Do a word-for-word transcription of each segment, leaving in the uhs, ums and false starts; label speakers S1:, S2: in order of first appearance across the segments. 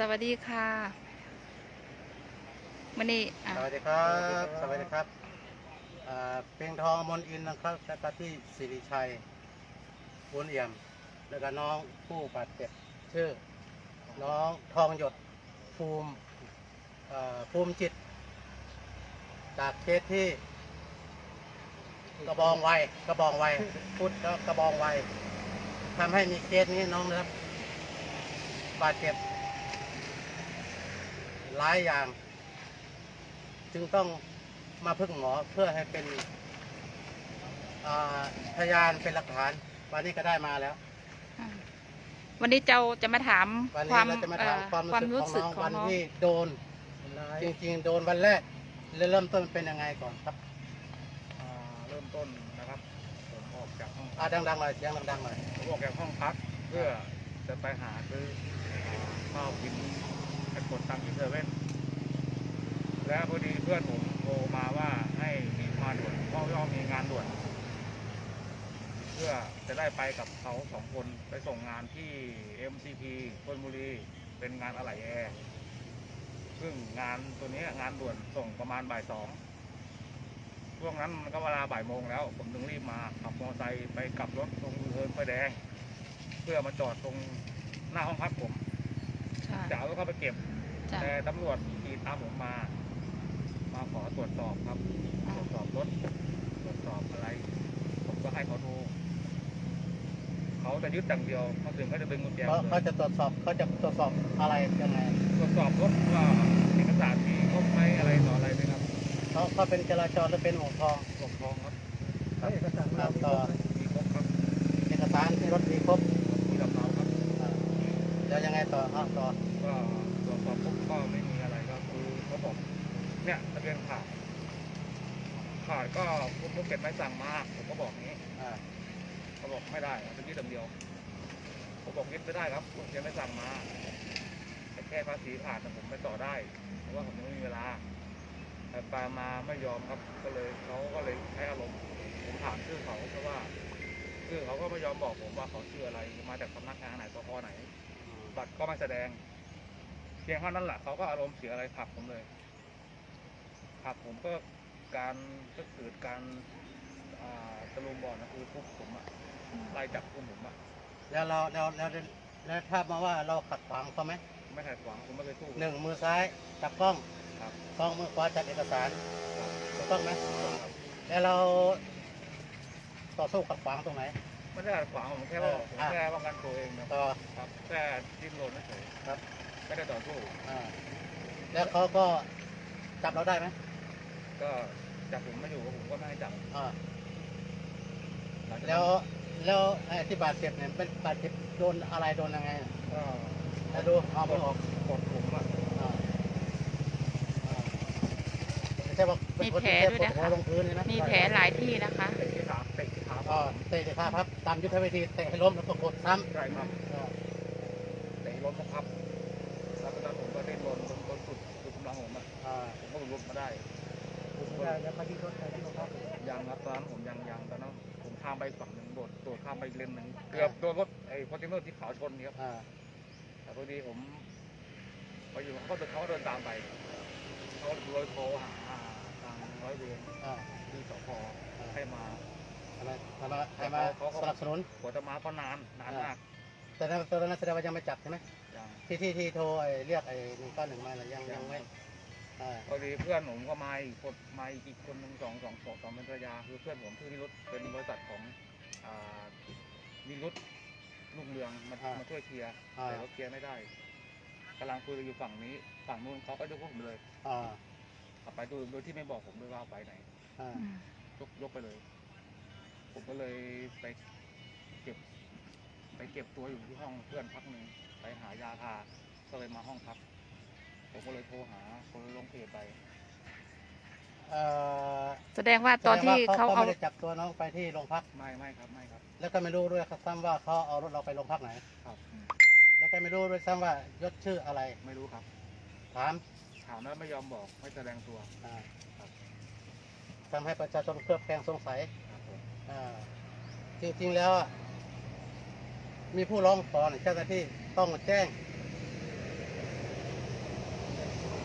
S1: วัสดีค่ะวันนี้
S2: สวัสดีครับสวัสดีครับเพียงทองมนอินนะครับแล้วก็ที่สิริชัยบุญเอี่ยมแล้วก็น้องผู้บาดเจ็บชื่อน้องทองหยดภูมิภูมิจิตจากเคสที่กระบองไวกระบองไวพุทธแล้วกระบองไวทำให้มีเคสนี้น้องนะครับบาดเจ็บหลายอย่างจึงต้องมาพึ่งหมอเพื่อให้เป็นพยานเป็นหลักฐานวันนี้ก็ได้มาแล้ว
S1: วันนี้เจ้าจะมาถาม
S2: ความความรู้สึกของน้องวันที่โดนจริงๆโดนวันแรกเริ่มต้นเป็นยังไงก่อนครับ
S3: เริ่มต้นนะครับผมออกจากห้อง
S2: อ่าดังๆหน่อยเสียงดังๆหน่อย
S3: ผมออกจากห้องพักเพื่อจะไปหาซื้อข้าวกินไปกดตังค์ที่เซเว่นแล้วพอดีเพื่อนผมโทรมาว่าให้มีมาด่วนเพราะว่ามีงานด่วนเพื่อจะได้ไปกับเขาสองคนไปส่งงานที่ เอ็ม ซี พี ชลบุรีเป็นงานอะไหล่แอร์ซึ่งงานตัวนี้งานด่วนส่งประมาณบ่ายสองช่วงนั้นมันก็เวลาบ่ายโมงแล้วผมถึงรีบมาขับมอเตอร์ไซค์ไปกลับรถตรงเทิร์นไฟแดงเพื่อมาจอดตรงหน้าห้องพักผมจะเอารถเข้าไปเก็บแต่ตำรวจขี่ตามผมมามาขอตรวจสอบครับตรวจสอบรถตรวจสอบอะไรผมก็ให้เขาดูเขาจะยึดอย่างเดียวเขาถึงก็จะดึงกุญแจ
S2: เขาจะตรวจสอบเขาจะตรวจสอบอะไรยังไง
S3: ตรวจสอบรถว่าเอกสารมีครบไหมอะไรต่ออะไรไหมครับ
S2: เขาเขาเป็นจราจรหรือเป็นหัวทอง
S3: หัวทองครับ
S2: เอกสารต่อ
S3: มีครบครับ
S2: เอกสารที่รถมีครบ
S3: มีลำเนาครับ
S2: แล้วยังไงต่อครับต่อ
S3: ก็ตรวจสอบปุ๊บก็ไม่มีอะไรก็คือเขาบอกเนี่ยทะเบียนขาดขาดก็คุณภูเก็ตไม่สั่งมาผมก็บอกงี้เขาบอกไม่ได้เป็นที่เดียวผมบอกยึดไม่ได้ครับคุณยังไม่สั่งมาแต่แค่ภาษีขาดผมไม่ต่อได้เพราะว่าผมไม่มีเวลาแต่ปามาไม่ยอมครับก็เลยเขาก็เลยใช้อารมณ์ผมถามชื่อเขาเพราะว่าชื่อเขาก็ไม่ยอมบอกผมว่าเขาชื่ออะไรมาจากสำนักงานไหนสพไหนบัตรก็ไม่แสดงเพียงเท่านั้นแหละเขาก็อารมณ์เสียอะไรผลักผมเลยผลักผมก็การก็เกิดการตะลุมบอลนะคือทุบผมอะไล่จับกุมผมอะ
S2: แล้วเราแล้วแล้วแล้วถ้ามาว่าเราขัดขวางเขาไหม
S3: ไม่ขัดขวางผมไม่เคยสู้
S2: หนึ่งมือซ้ายจับกล้องสองมือขวาจับเอกสารถูกต้องไหมแล้วเราต่อสู้ขัดขวางตรงไหน
S3: ไม่ได้ขัดขวางผมแค่ว่าผมแค่ป้องกันตัวเองนะ
S2: ต่อ
S3: ครับแค่ดิ้นรนเฉย
S2: ครับ
S3: ไม่ได้ต่อสู้
S2: แล้วเขาก็จับเราได้ไหม
S3: ก็จับผมไม่อยู่ผมก็ไม่ให้จับ
S2: แล้วแล้วไอ้ที่บาดเจ็บเนี่ยเป็นบาดเจ็บโดนอะไรโดนยังไงก็จะดูเอาไปออก
S3: กดผมอ่ะ
S2: ไม่ใช่ว่า
S1: มีแผลด้วยนะคะมีแผลหลายที่นะคะ
S3: เตะที่ขาเตะที่ขา
S2: ก็เตะที่ขาครับตามยุทธวิธีเตะให้ล้มแล้วก็กดซ้
S3: ำใช่ครับเตะล้มครับแล้วตอนผมก็เล่นล้มจนจนสุดสุดกำลังผมอ่ะผมก็หลุดมาได้
S2: ผมก็ยังไปที่รถไปที่รถครับ
S3: ยังครับตอนนั้นผมยังยังตอนนั้นผมข้ามไปฝั่งหนึ่งโดดโดดข้ามไปเลนหนึ่งเกือบโดนรถไอ้คอนเทนเนอร์ที่ขาวชนนี่ครับแต่พอดีผมไปอยู่เขาเดินเขาเดินตามไปเขาเลยโทรหาทางร้อยเวรที่สพให้มา
S2: อะไรมาให้มาสนับสนุน
S3: กว่าจะมาก็นานนานมาก
S2: แต่ตอนนั้นแสดงว่ายังไม่จับใช่ไหมที่ที่ที่โทรเรียกไอ้หนึ่งเก้าหนึ่งมาหรือยังยังไม่
S3: พอดีเพื่อนผมก็มาอีกคนมาอีกคนหนึ่งสองสองสองสองเป็นภรรยาคือเพื่อนผมชื่อนิรุตเป็นบริษัทของนิรุตลูกเรืองมามาช่วยเคลียร์แต่เขาเคลียร์ไม่ได้กำลังคุยอยู่ฝั่งนี้ฝั่งนู้นเขาก็ยกพวกผมเลยเอาไปโดยโดยที่ไม่บอกผมด้วยว่าไปไหนยกยกไปเลยผมก็เลยไปเก็บไปเก็บตัวอยู่ที่ห้องเพื่อนพักหนึ่งไปหายาทาก็เลยมาห้องพักผมก็เลยโทรหาคนลงเพจไป
S1: แสดงว่าตอนที่เขา
S2: เอาไม่ได้จับตัวน้องไปที่โรงพัก
S3: ไม่ไม่ครับไม่ครับ
S2: แล้วก็ไม่รู้ด้วยครับซ้ำว่าเขาเอารถเราไปโรงพักไหน
S3: ครับ
S2: แล้วก็ไม่รู้ด้วยซ้ำว่ายศชื่ออะไร
S3: ไม่รู้ครับ
S2: ถาม
S3: ถามแล้วไม่ยอมบอกไม่แสดงตัว
S2: ทำให้ประชาชนเคลือบแคลงสงสัยจริงๆแล้วมีผู้ร้องขอเจ้าหน้าที่ต้องแจ้ง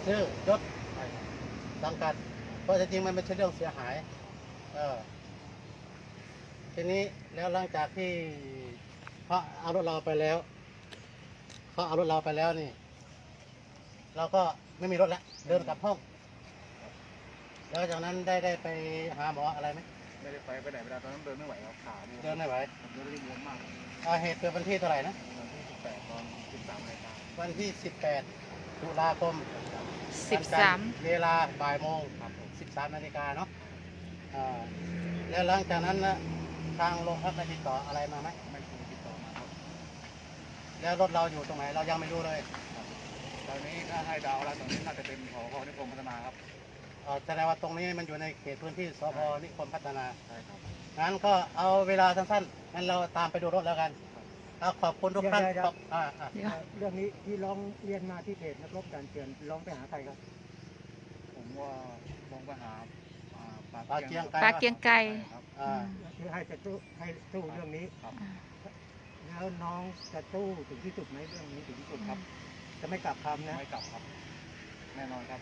S2: ชื่อยศ
S3: ใช่ครับ
S2: สังกัดเพราะจริงๆมันไม่ใช่เรื่องเสียหายเออทีนี้แล้วหลังจากที่เขาเอารถเราไปแล้วเขาเอารถเราไปแล้วนี่ เราก็ไม่มีรถแล้วเดินกลับห้อง แล้วจากนั้นได้ได้ไปหาหมออะไรไหม
S3: ไม่ได้ไปไปไหนไม่ได้ตอนนั้นเดินไม่ไหวครับขาบวม
S2: เดินไม่ไหว
S3: ผมเดินได้บวมมาก
S2: อ่าเหตุเกิดวันที่เท่าไหร่นะ
S3: วันที่สิบแปดตอนสิบสามนาฬิกา
S2: วันที่สิบแปดตุลาคม
S1: สิบสาม
S2: วันจันทร์เวลาบ่ายโมง
S3: ครับผม
S2: สิบสามนาฬิกาเนาะอ่าแล้วหลังจากนั้นนะทางโรงพักได้ติดต่ออะไรมาไหม
S3: ไม่เคยติดต่อมาครับ
S2: แล้วรถเราอยู่ตรงไหนเรายังไม่รู้เลย
S3: ตอนนี้ถ้าให้ดาวแล้วตอนนี้น่าจะเป็นผอนิคมพัฒนาครับ
S2: เอ่อแสดงว่าตรงนี้มันอยู่ในเขตพื้นที่สพนิคมพัฒนา
S3: ใช่ครับ
S2: งั้นก็เอาเวลาสั้นๆงั้นเราตามไปดูรถแล้วกันเอาขอบคุณทุกท่าน
S4: เดี๋ยวเดี๋ยว
S2: ขอบอ่าอ่า
S1: เดี๋ยว
S4: เรื่องนี้ที่ร้องเรียนมาที่เพจนักรบการเตือนร้องไปหาใครครับ
S3: ผมว่าลงไปหาอ่า
S2: ปลาเกียงไก่
S1: ปลาเกียงไก่
S3: ครับ
S2: อ่า
S4: คือให้จะสู้ให้สู้เรื่องนี้
S3: ครับ
S1: อ่า
S4: แล้วน้องจะสู้ถึงที่สุดไหมเรื่องนี้ถึงที่สุดครับ จะไม่กลับคำนะ
S3: ไม่กลับครับ แน่นอนครับ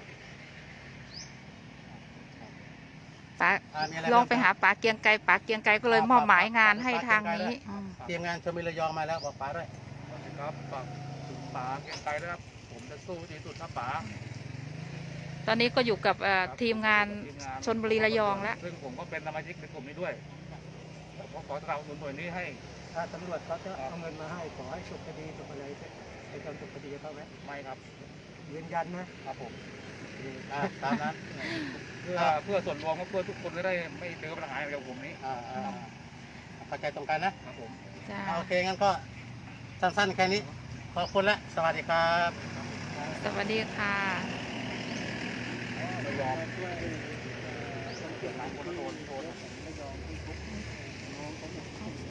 S1: ปลา
S2: อ่ามีอะไร
S1: ลองไป
S2: บ้
S1: หาปลาเกียงไก่ปลาเกียงไก่ก็เลยมอบหมายงานให้ทางนี้อืม
S2: ทีมงานชมระยองมาแล้วบอกป๋าด้วย
S3: ครับฝากถึงป๋าเกียงไกรด้วยครับ ผมจะสู้ที่สุดครับป๋า
S1: ตอนนี้ก็อยู่กับเอ่อ
S3: ครับ
S1: ทีมงาน
S3: ทีมงาน
S1: ชลบุรีระยองแล้ว
S3: ซึ่งผมก็เป็นสมาชิกในกลุ่มนี้ด้วยผมก็ขอสนับสนุนหน่วยนี้ให้
S4: ถ้าตำรวจเขาจะเอาเงินมาให้ขอให้จบคดีจบอะไรไปจนจบคดีเขาไหม
S3: ไม่ครับ
S4: ยืนยันนะครับ
S3: ผม
S2: อ่าตามนั้น
S3: เพื่อเพื่อส่วนรวมก็เพื่อทุกคนจะได้ไม่เจอปัญหาแบบผมนี้
S2: อ่าอ่าเข้าใจตรงกันนะ
S3: ครับผม
S1: จ้า
S2: โอเค งั้นก็สั้นๆ แค่นี้ ขอบคุณและ สวัสดีครับ
S1: สวัสดีค่ะ
S3: ไม่ยอมช่วยคนเสียหลายคนโดนโดนไม่ยอมที่ทุกน้องเขาหมด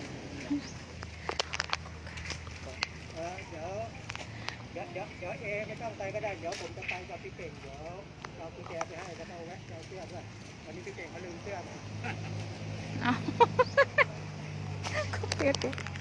S4: เออเดี๋ยวเดี๋ยวเดี๋ยวเดี๋ยวเอไม่ต้องไปก็ได้เดี๋ยวผมจะไปกับพี่เก่งเดี๋ยวเอากุญแจไปให้แล้วก็เอาแวะเอาเสื้อด้วยวันนี้พี่เก่งเขาลืมเสื้อมา
S1: เอา เขาเปลี่ยน